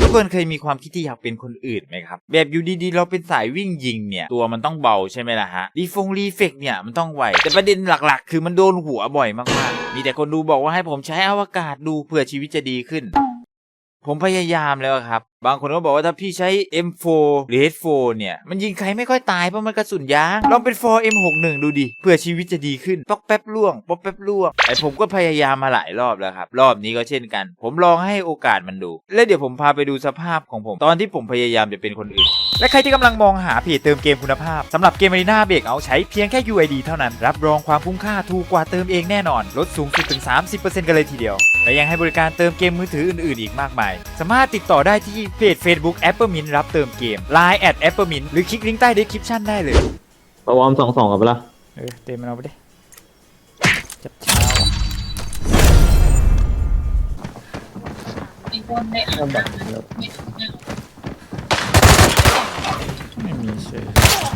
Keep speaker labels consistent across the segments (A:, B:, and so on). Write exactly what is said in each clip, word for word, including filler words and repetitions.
A: กคนเคยมีความคิดที่อยากเป็นคนอื่นไหมครับแบบอยู่ดีๆเราเป็นสายวิ่งยิงเนี่ยตัวมันต้องเบาใช่ไหมล่ะฮะรีฟงรีเฟกเนี่ยมันต้องไวแต่ประเด็นหลักๆคือมันโดนหัวบ่อยมากๆมีแต่คนดูบอกว่าให้ผมใช้อวกาศดูเพื่อชีวิตจะดีขึ้นผมพยายามแล้วครับบางคนก็บอกว่าถ้าพี่ใช้ เอ็ม โฟร์ หรือ เอช โฟร์ เนี่ยมันยิงใครไม่ค่อยตายเพราะมันกระสุนยางลองเป็น โฟร์ เอ็ม หกสิบเอ็ด ดูดิเพื่อชีวิตจะดีขึ้นป๊อกแป๊บล่วงป๊อกแป๊บล่วงไอผมก็พยายามมาหลายรอบแล้วครับรอบนี้ก็เช่นกันผมลองให้โอกาสมันดูและเดี๋ยวผมพาไปดูสภาพของผมตอนที่ผมพยายามจะเป็นคนอื่นและใครที่กำลังมองหาเพจเติมเกมคุณภาพสำหรับเกม Arena Breakout ใช้เพียงแค่ ยู ไอ ดี เท่านั้นรับรองความคุ้มค่าถูกกว่าเติมเองแน่นอนลดสูงสุดถึง สามสิบเปอร์เซ็นต์ กันเลยทีเดียวและยังให้บริการเติมเกมมือถืออื่นๆอีกมากมายสามารถติดต่อได้ที่เพจ Facebook Appermint รับเติมเกม ไลน์ แอท Appermint หรือคลิกลิงก์ใต้ description ได้เลย
B: ประวอมสองสองกับเปล่า
A: เออเต็มมันเอาไปดิจับเช้าอ่ะ
C: ไอ้คนได้อ่านไม่
A: ไม่มีเชื่อ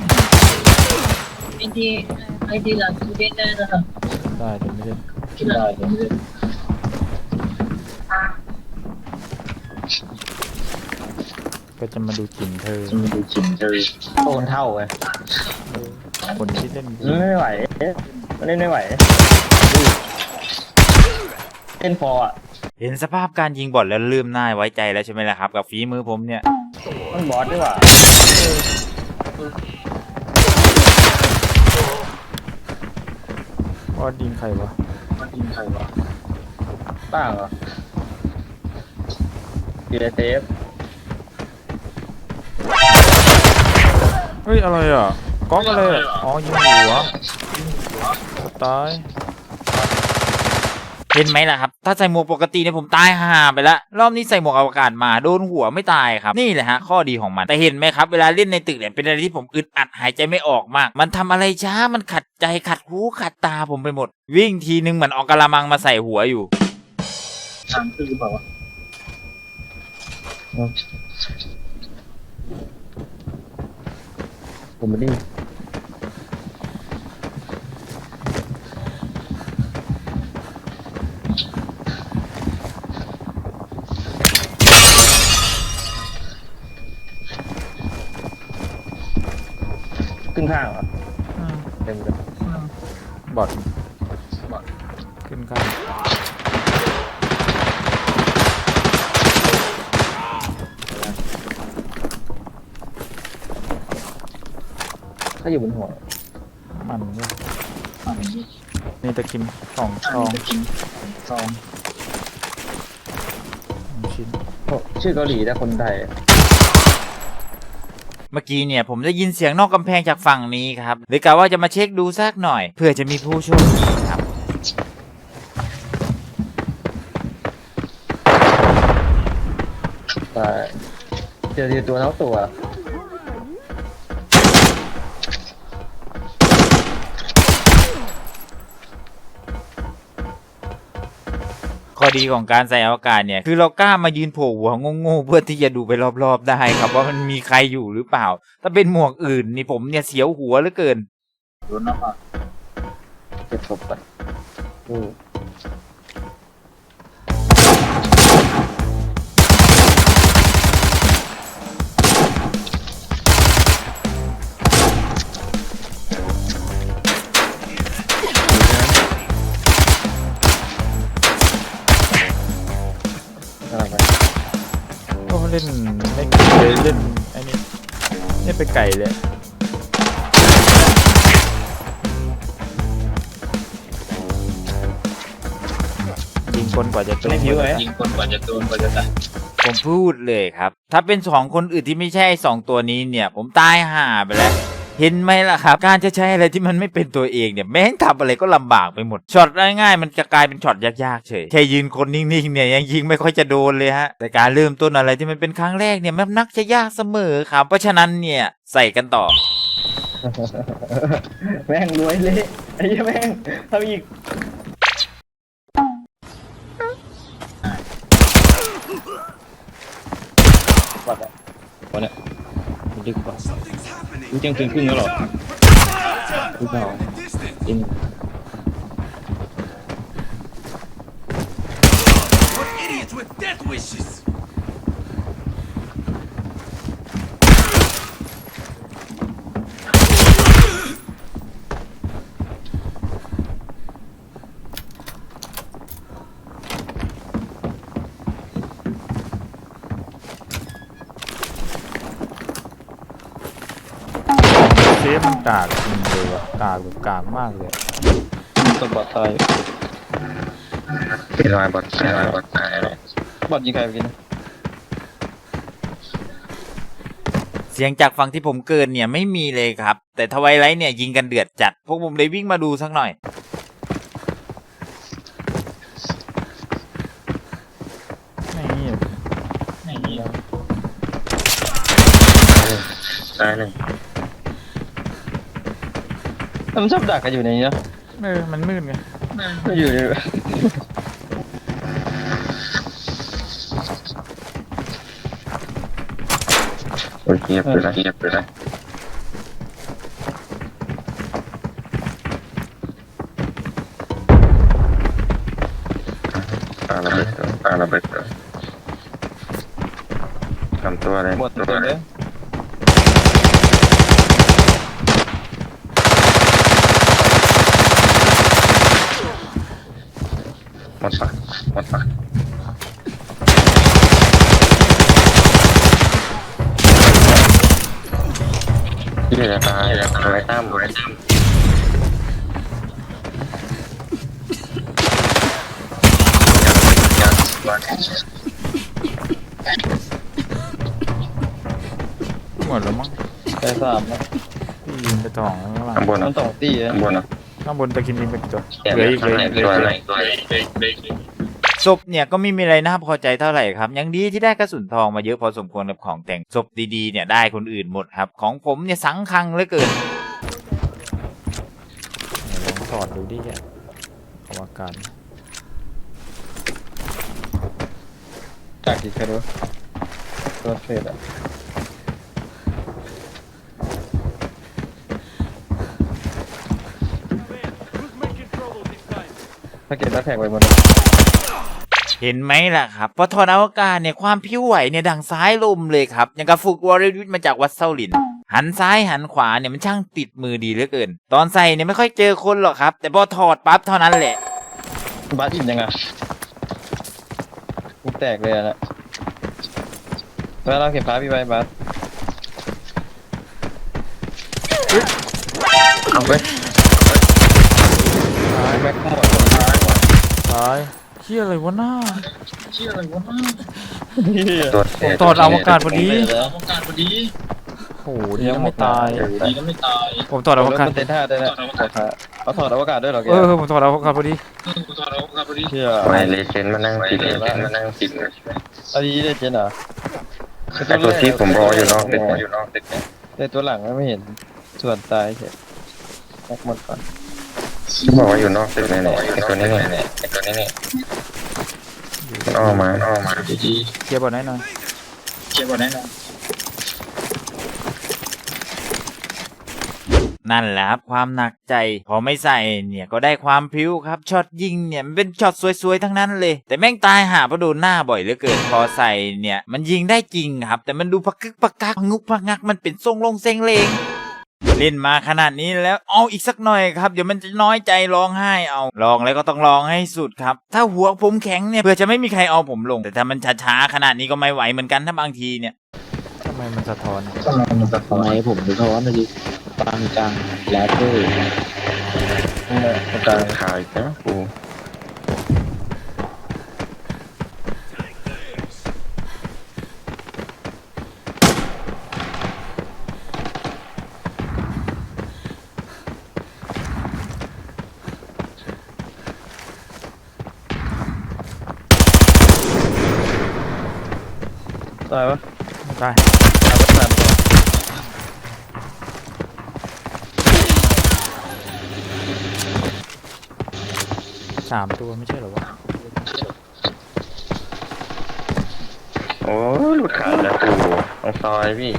C: ไอ้ที่ไอ้ที่หลังคือเล่นได้แล้วครับ
A: ได้แต่ไม่เล่น
C: ที่หลังไม่เล่น
A: ก็จะมาดูกลิ่นเธอ
B: จะมาดูกลิ่นเธอโตนเท่าไง
A: คนที่เล่น
B: ไม่ไหวมันเล่นไม่ไหวเล่นพออ่ะ
A: เห็นสภาพการยิงบอลแล้วลืมหน้าไว้ใจแล้วใช่ไหมล่ะครับกับฝีมือผมเนี่ย
B: มันบอสด้วยว่ะ
A: บอสยิงใครวะ
B: บอสยิงใครวะตั้งเหรอดีเซฟ
A: เฮ้ยอะไรอ่ะก๊อกอะไรอ่ะอ๋อยิงหัวตายเห็นไหมล่ะครับถ้าใส่หมวกปกติเนี่ยผมตายห่าไปแล้วรอบนี้ใส่หมวกอวกาศมาโดนหัวไม่ตายครับนี่แหละฮะข้อดีของมันแต่เห็นไหมครับเวลาเล่นในตึกเนี่ยเป็นอะไรที่ผมอึดอัดหายใจไม่ออกมากมันทำอะไรช้ามันขัดใจขัดหูขัดตาผมไปหมดวิ่งทีนึงเหมือนออกกะละมังมาใส่หัวอยู่
B: ทางคือเปล่าวะผมไม่ได้ขึ้นข้างเหรอเต็มเลย
A: บอดบอดขึ้นข้าง
B: ถ้าอยู่บนหัว
A: มันเนี่ยนี่ตะคิมสองซอง
B: ซอง
A: ชิ้น
B: ชื่อเกาหลีแต่คนไทย
A: เมื่อกี้เนี่ยผมได้ยินเสียงนอกกำแพงจากฝั่งนี้ครับเลยกะว่าจะมาเช็คดูสักหน่อยเพื่อจะมีผู้โชคดีครับ
B: แต่เจอตัวทั้งตัว
A: ข้อดีของการใส่อวกาศเนี่ยคือเรากล้ามายืนโผล่หัวงงๆเพื่อที่จะดูไปรอบๆได้ครับว่ามันมีใครอยู่หรือเปล่าถ้าเป็นหมวกอื่นนี่ผมเนี่ยเสียวหัวเหลือเกิน
B: รู้นะป่ะเก็บศพไปอือ
A: ก็เล่นไม่เคยเล่นไอ้นี่เล่นไปไก่เลยยิงคนกว่าจะโดน
B: ยิงคนกว่าจะโดนกว่าจะตาย
A: ผมพูดเลยครับถ้าเป็นสองคนอื่นที่ไม่ใช่สองตัวนี้เนี่ยผมตายห่าไปแล้วเห็นไหมล่ะครับการจะใช้อะไรที่มันไม่เป็นตัวเองเนี่ยแม้งทำอะไรก็ลำบากไปหมดช็อตง่ายๆมันจะกลายเป็นช็อตยากๆเฉยแค่ยืนคนนิ่งๆเนี่ยยังยิงไม่ค่อยจะโดนเลยฮะแต่การเริ่มต้นอะไรที่มันเป็นครั้งแรกเนี่ยมันนักจะยากเสมอครับเพราะฉะนั้นเนี่ยใส่กันต่อ
B: แม่งรวยเลยไอ้แม่งทำอีกวัดอะวันเนี้ยมันดึกกว่ารู้เที่ยงคืนครึ่งแล้วหรอรู้เปล่าอิน
D: with death wishes.
A: ะมันกากจริงเลยวะกากแบบกากมากเลย
B: ตัวบอดตาย
D: เป็นรอยบอดตายรอยบอดตายเลย
B: บอดยิงใครไปกินนะ
A: เสียงจากฝั่งที่ผมเกินเนี่ยไม่มีเลยครับ แต่ทวายไลท์เนี่ยยิงกันเดือดจัด พวกผมเลยวิ่งมาดูสักหน่อยไม่เงียบ
D: ตายหนึ่ง
B: มันชอบดักกันอยู่ในนี้นะ
A: เออมันมืดไง
B: ไม่อยู่ใน
D: โอเคไปละเงียบไปละปาระเบิดตัวปาระเบิดตัวทำตัวอะไร
B: หมดตัวเลย
D: หมดปะหมดปะที่เหลือตายอะไรตามอะไรตามยัดยัด
A: หมดแล้วมั้ง
B: แต่สามนะ
A: พี่ยิงไปสองแล้วข้างหลัง
D: ข้างบน
B: มั
D: นะ
B: นสองตีอะ
D: ข้างบนนะ
A: ข้างบนตะกินดินเป็นตัว
D: เห
A: เหลืออีก
D: ข้าง
A: เหลือ
D: ใน
A: อีกเหลือ
D: ตัว
A: อีก
D: อะไรตัวอะไร
A: ศพเนี่ยก็ไม่มีอะไรน่าพอใจเท่าไหร่ครับยังดีที่ได้กระสุนทองมาเยอะพอสมควรกับของแต่งศพดีๆเนี่ยได้คนอื่นหมดครับของผมเนี่ยสังคังเหลือเกินลองถอดดูดิแกอวกาศ
B: จากกี่ใครรู้ตัวเฟดอะถ้าเก็บแล้วแท็กไว้หมด
A: เห็นไหมล่ะครับพอถอดอวกาศเนี่ยความผิวไหวเนี่ยดังซ้ายลมเลยครับอย่างกับฝึกวอร์ริวิทมาจากวัดเซาหลินหันซ้ายหันขวาเนี่ยมันช่างติดมือดีเหลือเกิน ตอนใส่เนี่ยไม่ค่อยเจอคนหรอกครับแต่พอถอดปั๊บเท่านั้นแหละ
B: บาสอิ่มยังไงกูแตกเลยอะนะแล้วเราเก็บฟ้าพี่ไว้บาส
D: เอาไป
B: แม็กหมด
A: ตายเฮียอะไรวะหน้า
D: ตัวเศษ
A: ถอดอวกาศพอดี
B: แล้ว
A: โอ้โหดีนะไม่ตาย
B: ดีก็ไม่ตาย
A: ผมถอดอวกาศ
B: มันเต้นท่าได้แล้วเขาถอดอวกาศด้วยเหรอแก
A: เออผมถอดอวกาศพอดี
B: เชื่อ
D: ไวเลเจนมานั่งติดเลเจนมานั่งติด
B: อันนี้ได้เจนเหรอ
D: ไอตัวที่ผมรออยู่นอกตึกอยู่นอกตึก
B: แต่ตัวหลังไม่เห็นส่วนตายเฉยแม็กหมดก่อน
D: ที่บอกว่าอยู่นอกตึกเนี่ยไอตัวนี้เนี่ยไอตัวนี้เนี่ยมันออกมามันออกมา
A: เคลียร์บอลให้หน่อยนั่นแหละครับความหนักใจพอไม่ใส่เนี่ยก็ได้ความพริ้วครับช็อตยิงเนี่ยมันเป็นช็อตสวยๆทั้งนั้นเลยแต่แม่งตายหาเพราะโดนหน้าบ่อยเหลือเกินพอใส่เนี่ยมันยิงได้จริงครับแต่มันดูพักกึกพักกักงุกพักงักมันเป็นทรงลงเซ็งเลงเล่นมาขนาดนี้แล้วเอาอีกสักหน่อยครับเดี๋ยวมันจะน้อยใจร้องไห้เอาลองแล้วก็ต้องลองให้สุดครับถ้าหัวผมแข็งเนี่ยเพื่อจะไม่มีใครเอาผมลงแต่ถ้ามันช้าๆขนาดนี้ก็ไม่ไหวเหมือนกันถ้าบางทีเนี่ยทำไมมันสะท้อน
E: ทำไมผมสะท้อนนะดิฟังจังแล้วก็
D: กลางขายนะกู
B: ตายปะ
A: ได้
B: ตายปะสามตัว
A: สามตัวไม่ใช่เหรอวะ
D: โอ้หลุดขาดแล้วกูตรงซอยพี่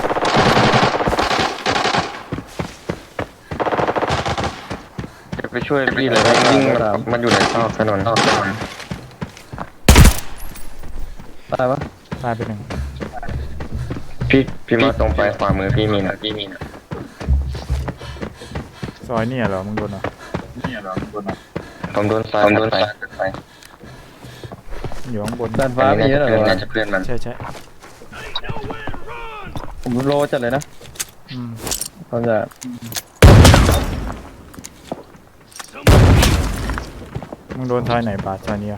D: จะไปช่วยพี่เลยวิ่งมันอยู่ในซอกถนนซอกถนน
B: ตายปะ
A: ตายไปหนึ่ง
D: พี่พี่มาตรงไปขวามือพี่มีนะพี่มีนะ
A: ซอยเนี่ยเหรอมึงโดนเหรอ
D: ผมโดนซ้ายผมโดนซ้ายไป
A: อยู่ข้างบน
B: ด้านฟ้ามีเยอะเหรอ
D: เพื่อนน่าจะเพื่อนมัน
A: ใช่ใช่
B: ผมโลจัดเลยนะ
A: อืม
B: เขาจะ
F: มึงโดนทอยไหนบาดซอยนี้อ่ะ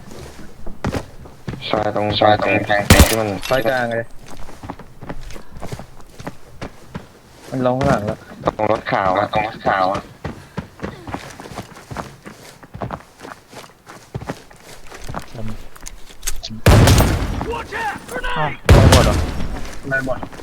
D: ซอยตรงซอยตรงทางเตะที่มัน
B: ไฟกลางเลยมันลงข้างหลังแล้ว
D: ตรงรถขาวอะตรงรถขาวอะ
F: อ้าวไม่หมดเหรอ
D: ไม่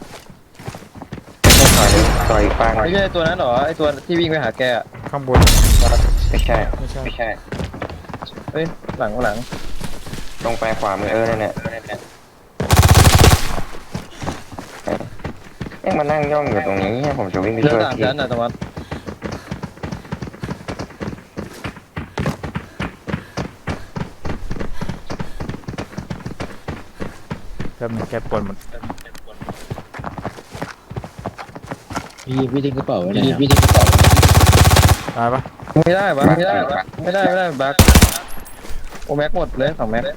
D: ซอยนี้ซอยอีกฝั่ง
B: ไม่ใช่ตัวนั้นหรอไอตัวที่วิ่งไปหาแกอะ
F: ข้างบน
D: ไม่ใช่
F: ไม่ใช่
D: ไม่ใช่
B: เฮ้ยหลังหลัง
D: ตรงไปขวามือเออเนี่ยเอ๊ะมานั่งย่องอยู่ตรงนี้ผมจะวิ่งไป
B: เรือ
D: ช่วย
B: สาม
D: พี่
B: ชั้นอะตะวัน
F: แป๊บนึงแกปวดหมด
E: พี่พี่ทิ้งกระเป๋าไว้ไหนพี่พี่ทิ้งกระเป๋า
F: ตายปะ
B: ไม่ได้ปะไม่ได้ปะไม่ได้ไม่ได้บักโอแม็กหมดเลยสองแม็ก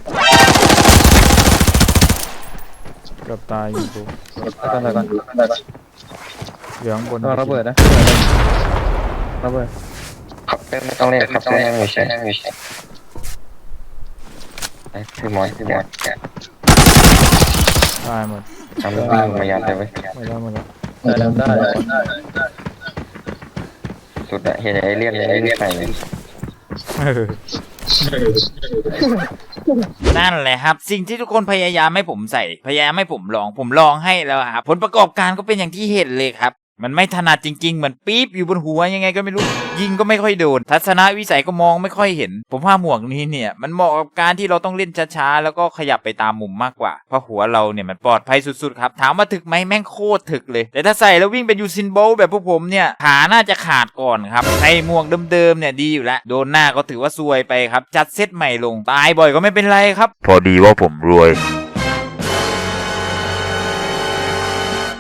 F: เกือบตายอยู่กู
B: ก่อนก่อนก่อน
F: เหลือข้างบน
B: ระเบิดนะระเบิด
D: ขับเต้นไม่ต้องเล่นขับเต้นนั่งอยู่เฉยนั่งอยู่เฉยไอ้คือมอยคือมอย
F: ตายหมด
D: ทำวิ่งมายันเลยเว้ย
F: ไม่ได้หมดแล้ว
B: ได้ได้ได้
D: สุดอะเห็นไอ้เลี่ยนไอ้เลี่ยนใส่เลย
F: เออ
A: นั่นแหละครับ สิ่งที่ทุกคนพยายามให้ผมใส่ พยายามให้ผมลอง ผมลองให้แล้วครับผลประกอบการก็เป็นอย่างที่เห็นเลยครับ มันไม่ถนัดจริงๆเหมือนปี๊บอยู่บนหัวยังไงก็ไม่รู้ ยิงก็ไม่ค่อยโดน ทัศนวิสัยก็มองไม่ค่อยเห็น ผมว่าหมวกนี้เนี่ยมันเหมาะกับการที่เราต้องเล่นช้าๆแล้วก็ขยับไปตามมุมมากกว่าเพราะหัวเราเนี่ยมันปลอดภัยสุดๆครับถามว่าถึกไหมแม่งโคตรถึกเลย แต่ถ้าใส่แล้ววิ่งเป็นยูซินโบลต์แบบพวกผมเนี่ยขาน่าจะขาดก่อนครับใส่หมวกเดิมๆเนี่ยดีอยู่แล้วโดนหน้าก็ถือว่าซวยไปครับจัดเซตใหม่ลงตายบ่อยก็ไม่เป็นไรครับพอดีว่าผมรวย